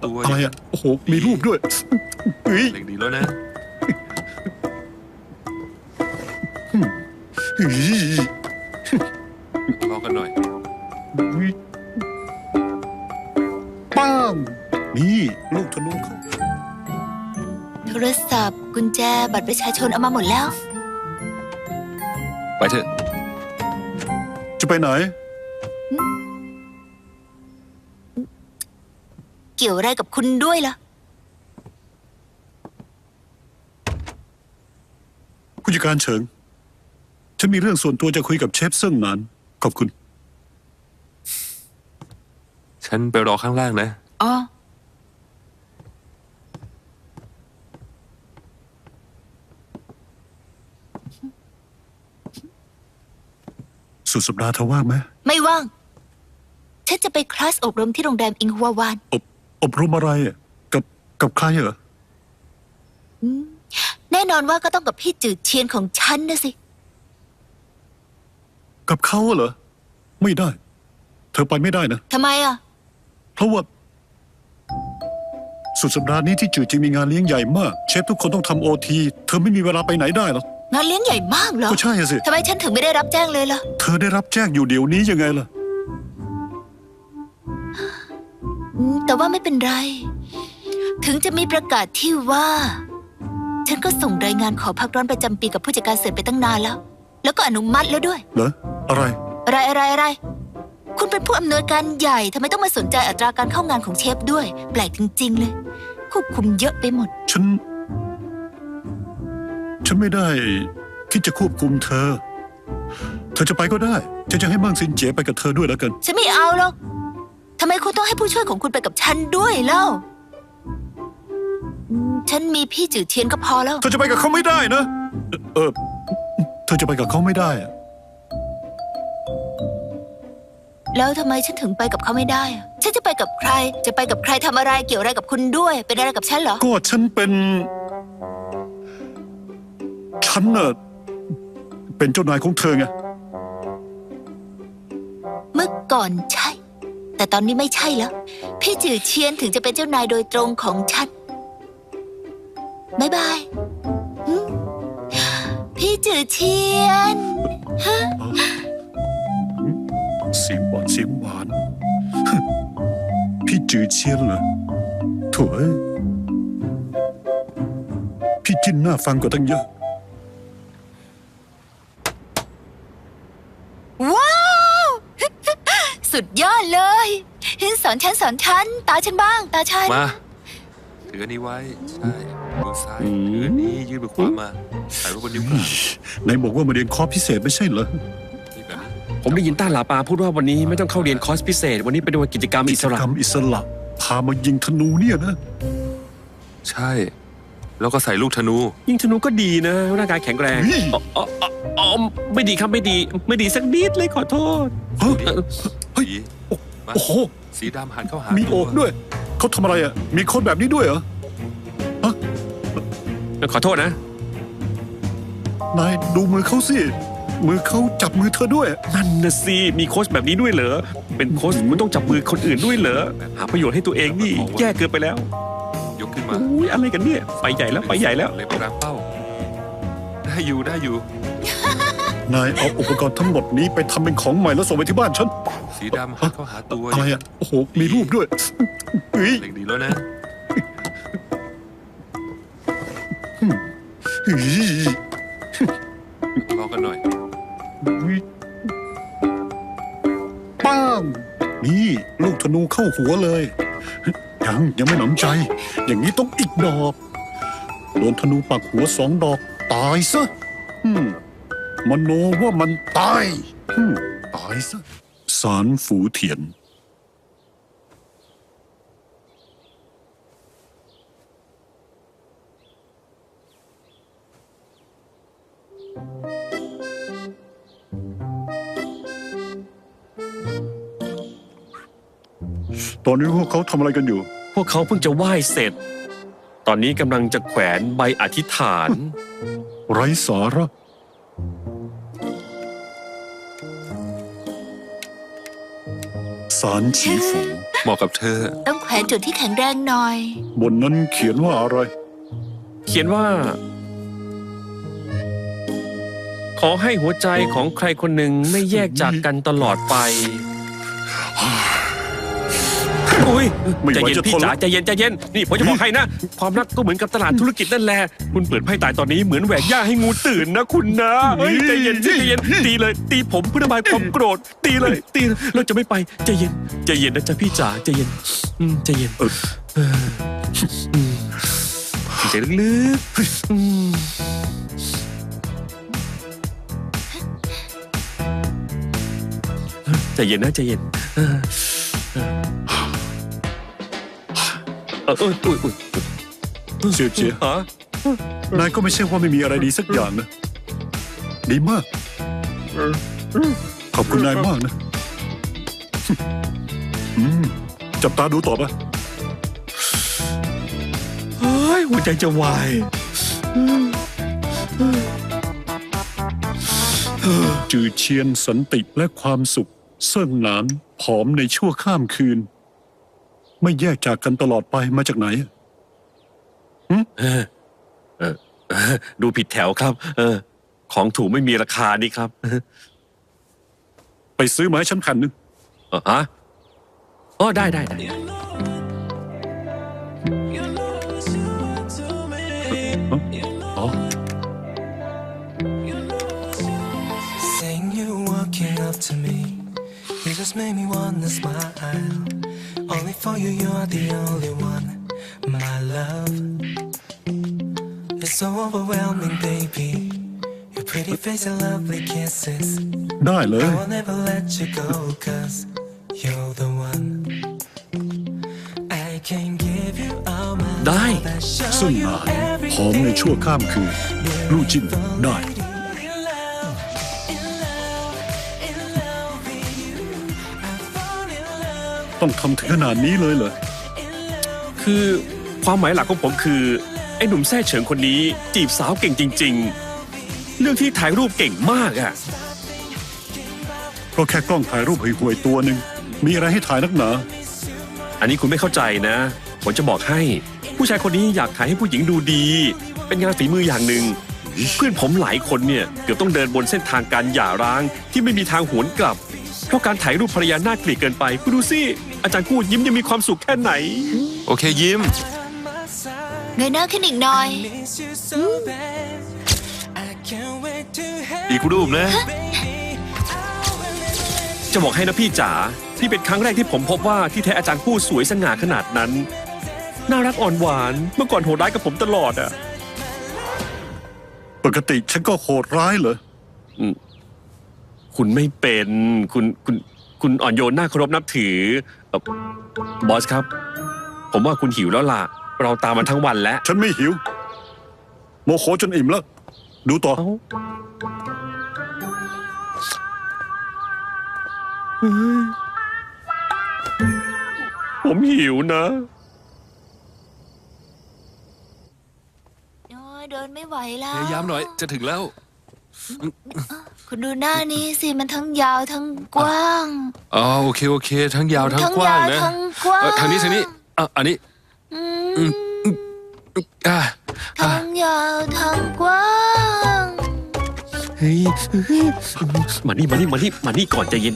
ตัวอะไรอ่ะโอ้โหมีรูปด้วยเฮ้ยเล็กดีแล้วนะเฮ้ยลองกันหน่อยป้างนี่ลูกธนูเขาโทรศัพท์กุญแจบัตรประชาชนเอามาหมดแล้วไปเถอะจะไปไหนเกี่ยวอะไรกับคุณด้วยล่ะผู้จัดการเฉิง ฉันมีเรื่องส่วนตัวจะคุยกับเชฟเซิ่งหนานขอบคุณฉันไปรอข้างล่างนะอ๋อสุดสัปดาห์เธอว่างไหมไม่ว่าง ฉันจะไปคลาสอบรมที่โรงแรมอิงฮัววานอบรมอะไรอ่ะกับใครเหรอแน่นอนว่าก็ต้องกับพี่จืดเชียนของฉันนะสิกับเขาเหรอ ไม่ได้ เธอไปไม่ได้นะทำไมอ่ะเพราะว่า สุดสัปดาห์นี้ที่จืดจริงมีงานเลี้ยงใหญ่มาก เชฟทุกคนต้องทำOT เธอไม่มีเวลาไปไหนได้หรอกงานเลี้ยงใหญ่มากเหรอก็ใช่อะสิทำไมฉันถึงไม่ได้รับแจ้งเลยล่ะเธอได้รับแจ้งอยู่เดี๋ยวนี้ยังไงล่ะแต่ว่าไม่เป็นไร ถึงจะมีประกาศที่ว่า ฉันก็ส่งรายงานขอพักร้อนประจำปีกับผู้จัดการเสิร์ฟไปตั้งนานแล้ว แล้วก็อนุมัติแล้วด้วยเหรอ อะไรอะไร คุณเป็นผู้อำนวยการใหญ่ทำไมต้องมาสนใจอัตราการเข้างานของเชฟด้วย แปลกจริงๆเลย ควบคุมเยอะไปหมดฉันไม่ได้คิดจะควบคุมเธอ เธอจะไปก็ได้ ฉันจะให้มั่งซินเจ๋ไปกับเธอด้วยแล้วกันฉันไม่เอาหรอกทำไมคุณต้องให้ผู้ช่วยของคุณไปกับฉันด้วยเล่า ฉันมีพี่จืดเทียนก็พอแล้วเธอจะไปกับเขาไม่ได้นะ เธอจะไปกับเขาไม่ได้อะแล้วทำไมฉันถึงไปกับเขาไม่ได้อะฉันจะไปกับใคร จะไปกับใครทำอะไรเกี่ยวอะไรกับคุณด้วย เป็นอะไรกับฉันเหรอก็ฉันน่ะเป็นเจ้านายของเธอไงเมื่อก่อนใช่ แต่ตอนนี้ไม่ใช่แล้ว พี่จืดเชียนถึงจะเป็นเจ้านายโดยตรงของฉันบ๊ายบายพี่จืดเชียนเสียงหวาน พี่จือเชียนเหรอโถ่เอ้ยพี่จินน่าฟังกว่าตั้งเยอะว้าว สุดยอดเลยสอนฉันตาฉันบ้าง ตาฉันมา ถืออันนี้ไว้ ใช่มือซ้ายถืออันนี้ยื่นมือขวามาถ่ายรูปบนนิ้วกลางไหนบอกว่ามาเรียนคอร์สพิเศษไม่ใช่เหรอนี่แบบนี้ผมได้ยินต้าหลาปาพูดว่าวันนี้ไม่ต้องเข้าเรียนคอร์สพิเศษ วันนี้เป็นวันกิจกรรมอิสระกรรมอิสระพามายิงธนูเนี่ยนะใช่ แล้วก็ใส่ลูกธนูยิงธนูก็ดีนะร่างกายแข็งแรงเฮ้ยอ๋อไม่ดีครับไม่ดีสักนิดเลยขอโทษเฮ้ย เฮ้ยสีมาโอ้โหสีดำหันเข้าหามีมีโอกด้วย เขาทำอะไรอ่ะ มีคนแบบนี้ด้วยเหรอขอโทษนะนายดูมือเขาสิ มือเขาจับมือเธอด้วยนั่นนะสิมีโค้ชแบบนี้ด้วยเหรอเป็นโค้ชมันต้องจับมือคนอื่นด้วยเหรอหาประโยชน์ให้ตัวเองนี่แย่เกินไปแล้วยกขึ้นมาอุ้ยอะไรกันเนี่ยไปใหญ่แล้วไปใหญ่แล้วเลยไปกลางเป้า ได้อยู่นายเอาอุปกรณ์ทั้งหมดนี้ไปทำเป็นของใหม่แล้วส่งไปที่บ้านฉันสีดำหันเข้าหาตัวอะไรอ่ะ โอ้โห มีรูปด้วยเฮ้ยเล็กดีแล้วนะเฮ้ยลองกันหน่อยป้าง นี่ลูกธนูเข้าหัวเลย ยังไม่หนำใจ อย่างนี้ต้องอีกดอก โดนธนูปักหัว2 ดอก ตายซะมโนว่ามันตายตายซะสารฝูเถียน ตอนนี้พวกเขาทำอะไรกันอยู่พวกเขาเพิ่งจะไหว้เสร็จ ตอนนี้กำลังจะแขวนใบอธิษฐานไร้สาระสารฉีฝูเหมาะกับเธอต้องแขวนจุดที่แข็งแรงหน่อยบนนั้นเขียนว่าอะไรเขียนว่า ขอให้หัวใจของใครคนหนึ่งไม่แยกจากกันตลอดไปอุ้ยไม่ไหวใจเย็นจะพี่ทนจ๋าแล้วใจเย็นใจเย็นนี่ผมจะบอกให้นะ ความรักก็เหมือนกับตลาดธุรกิจนั่นแหละคุณเปิดไพ่ตายตอนนี้เหมือนแหวกหญ้าให้งูตื่นนะคุณนะเฮ้ยใจเย็นใจเย็นตีเลย ตีผมเพื่อระบายความโกรธตีเลยตีเลยเราจะไม่ไปใจเย็นใจเย็นนะจ๊ะพี่จ๋าใจเย็นใจเย็นใจลึกใจเย็นนะใจเย็นเจียเจียฮะนายก็ไม่ใช่ว่าไม่มีอะไรดีสักอย่างนะ ดีมาก ขอบคุณนายมากนะ จับตาดูต่อปะเฮ้ยหัวใจจะวายจือเชียนสันติและความสุขเซิ่งหนานผอมในชั่วข้ามคืน ไม่แยกจากกันตลอดไปมาจากไหนดูผิดแถวครับ ของถูกไม่มีราคานี่ครับไปซื้อมาให้ฉันแผ่นหนึ่งฮะอ๋อได้ได้ได้อ๋อ Seeing you walking up to me, you just made me wanna smile. Only for you, you're the only one, my love. It's so overwhelming, baby. Your pretty face and lovely kisses. ได้เลย I will never let you go, 'cause you're the one. I can give you all my ได้ love and show ซึ่ง you นานผอมในชั่วข้ามคืนลู่จิ้นได้ in love, in love, in love with you. I fall in love. ต้องทำถึงขนาดนี้เลยเหรอคือความหมายหลักของผมคือ ไอ้หนุ่มแท้เฉิงคนนี้จีบสาวเก่งจริง ๆ เรื่องที่ถ่ายรูปเก่งมากอ่ะก็แค่กล้องถ่ายรูปห่วยๆตัวหนึ่งมีอะไรให้ถ่ายนักหนาอันนี้คุณไม่เข้าใจนะ ผมจะบอกให้ ผู้ชายคนนี้อยากถ่ายให้ผู้หญิงดูดี เป็นงานฝีมืออย่างหนึ่ง เพื่อนผมหลายคนเนี่ยเกือบต้องเดินบนเส้นทางการหย่าร้างที่ไม่มีทางหวนกลับ เพราะการถ่ายรูปภรรยาน่าเกลียดเกินไปคุณดูสิอาจารย์กู้ยิ้มยังมีความสุขแค่ไหนโอเคยิ้มเงยหน้าขึ้นอีกหน่อย Miss you so bad. I can't wait to have อีกรูปนะ you, baby. I will never let จะบอกให้นะพี่จ๋าที่เป็นครั้งแรกที่ผมพบว่าที่แท้อาจารย์กู้สวยสง่าขนาดนั้น น่ารักอ่อนหวานเมื่อก่อนโหดร้ายกับผมตลอดอ่ะปกติฉันก็โหดร้ายเหรอคุณไม่เป็นคุณอ่อนโยนน่าเคารพนับถือบอสครับ ผมว่าคุณหิวแล้วล่ะ เราตามมันทั้งวันแล้วฉันไม่หิว โมโหจนอิ่มแล้ว ดูต่อเอ้าผมหิวนะโอ้ยเดินไม่ไหวแล้พวยายามหน่อยจะถึงแล้วคุณดูหน้านี้สิมันทั้งยาวทั้งกว้างอ๋อโอเค ทั้งยาวทั้งกว้างนะทั้งกว้างทางนี้อันนี้อืมอ่ะทั้งยาวทั้งกว้างเฮ้ยมานี่ก่อนใจเย็น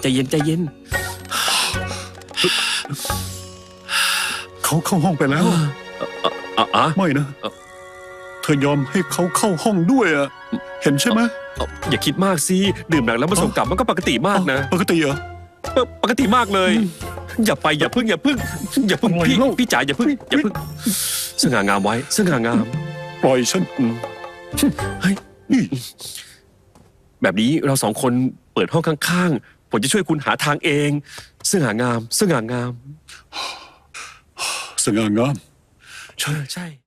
เขาเข้าห้องไปแล้วอ่ะไม่นะ เธอยอมให้เขาเข้าห้องด้วยอะเห็นใช่ไหมอย่าคิดมากสิดื่มหนักแล้วมาส่งกลับมันก็ปกติมากนะปกติเหรอปกติมากเลย อย่าอย่าพึ่งอะไรพี่เล่าพี่จ๋าอย่าพึ่งสง่างามไว้สง่างามปล่อยฉันเฮ้ยนี่แบบนี้เราสองคนเปิดห้องข้างๆผมจะช่วยคุณหาทางเองสง่างามสง่างามใช่